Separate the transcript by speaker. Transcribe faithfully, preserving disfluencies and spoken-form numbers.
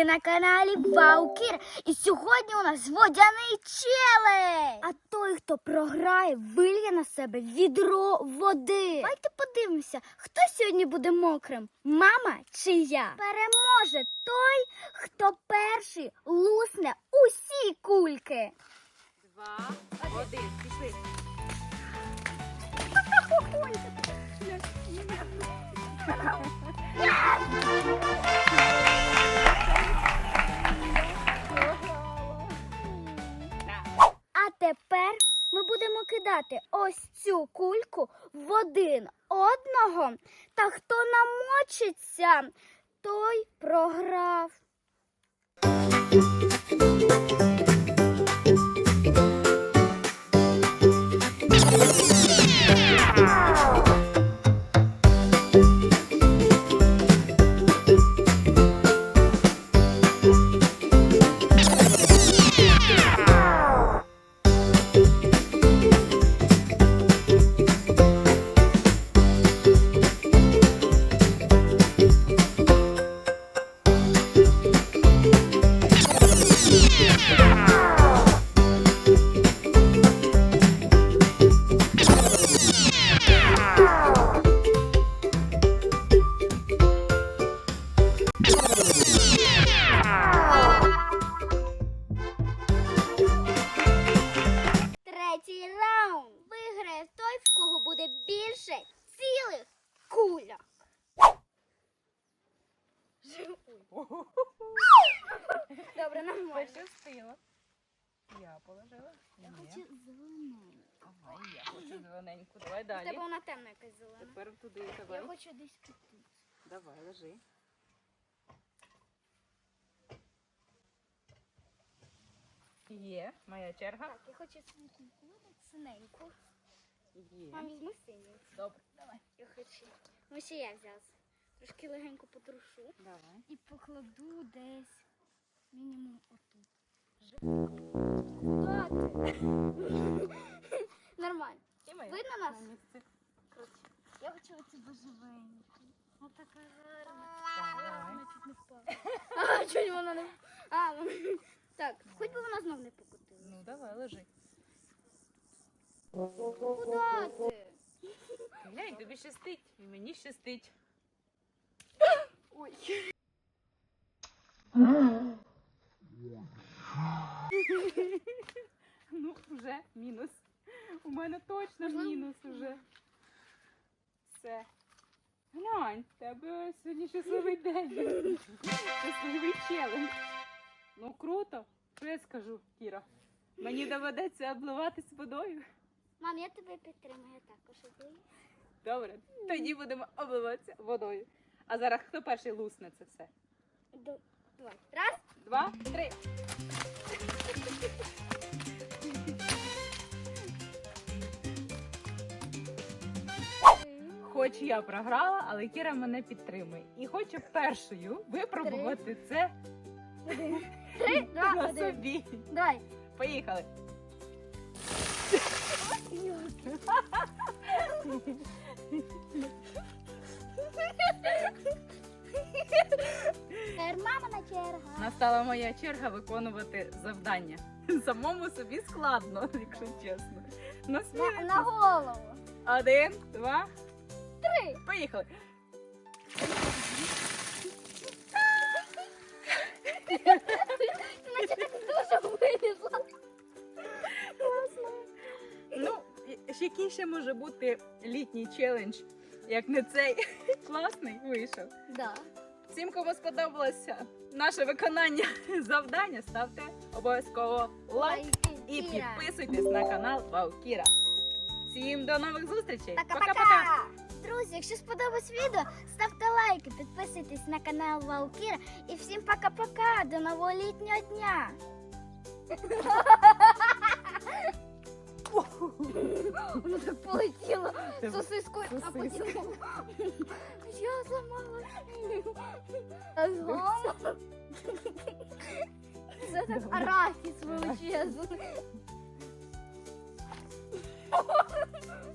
Speaker 1: на каналі Ваукір. І сьогодні у нас водяний челендж. А той, хто програє, вильє на себе відро води. Давайте подивимося, хто сьогодні буде мокрим, мама чи я. Переможе той, хто перший лусне усі кульки.
Speaker 2: Два, один, пішли.
Speaker 1: А тепер ми будемо кидати ось цю кульку в один одного. Та хто намочиться, той програв. Третій раунд. Виграє той, в кого буде більше цілих кульок. Добре, нормально.
Speaker 2: Пощастило. Я положила.
Speaker 1: Я
Speaker 2: Ні.
Speaker 1: хочу зелену.
Speaker 2: Ага, і я хочу зелененьку. Давай
Speaker 1: У тебе
Speaker 2: далі.
Speaker 1: вона темна якась зелена.
Speaker 2: Тепер туди
Speaker 1: Я
Speaker 2: давай.
Speaker 1: хочу десь піти.
Speaker 2: Давай, лежи. Є, моя черга.
Speaker 1: Так, я хочу синеньку, синеньку.
Speaker 2: Є.
Speaker 1: Мам, візьми синю.
Speaker 2: Добре, давай.
Speaker 1: Я хочу. Ну, ще я взяла. Трошки легенько потрушу.
Speaker 2: Давай.
Speaker 1: І покладу десь мінімум отут. Нормально.
Speaker 2: І моя.
Speaker 1: Видно нас?
Speaker 2: На місці.
Speaker 1: Коротше, я хочу оцю божевеньку. Вона така гарна.
Speaker 2: Давай.
Speaker 1: Вона чуть не впала. А, чуть вона не А, вона... Так, хоч би вона знов не покотила.
Speaker 2: Ну, давай, лежи.
Speaker 1: Куда ти?
Speaker 2: Глянь, тобі щастить. І мені щастить.
Speaker 1: Ой.
Speaker 2: Ну, вже мінус. У мене точно
Speaker 1: Можливо?
Speaker 2: мінус уже. Все. Глянь, в тебе сьогодні щасливий день. Щасливий челендж. Ну, круто. Що я скажу, Кіра? Мені доведеться обливатись водою.
Speaker 1: Мам, я тебе підтримую, я також обію.
Speaker 2: Добре, тоді будемо обливатися водою. А зараз хто перший лусне це все?
Speaker 1: Д- Давай. Раз.
Speaker 2: Два, три. Хоч я програла, але Кіра мене підтримує. І хочу першою випробувати це
Speaker 1: Один. Три, два,
Speaker 2: на
Speaker 1: один.
Speaker 2: собі.
Speaker 1: Давай.
Speaker 2: Поїхали.
Speaker 1: Тепер мамина черга.
Speaker 2: Настала моя черга виконувати завдання. Самому собі складно, якщо чесно. Ну,
Speaker 1: На,
Speaker 2: сміливо.
Speaker 1: на голову.
Speaker 2: Один, два,
Speaker 1: Три.
Speaker 2: поїхали.
Speaker 1: Наче так дуже вилізла.
Speaker 2: Ну, і- ще який ще може бути літній челендж, як не цей. Класний вийшов.
Speaker 1: Да.
Speaker 2: Всім, кому сподобалося наше виконання завдання, ставте обов'язково лайк і підписуйтесь на канал Ваукіра. Всім до нових зустрічей.
Speaker 1: Пока-пока! Друзі, якщо сподобалось відео, ставте лайки, підписуйтесь на канал Ваукіра і всім пока-пока, до нового літнього дня! Воно так полетіло сосискою, а потім я зламала. Ага. Це так арахіс величезний.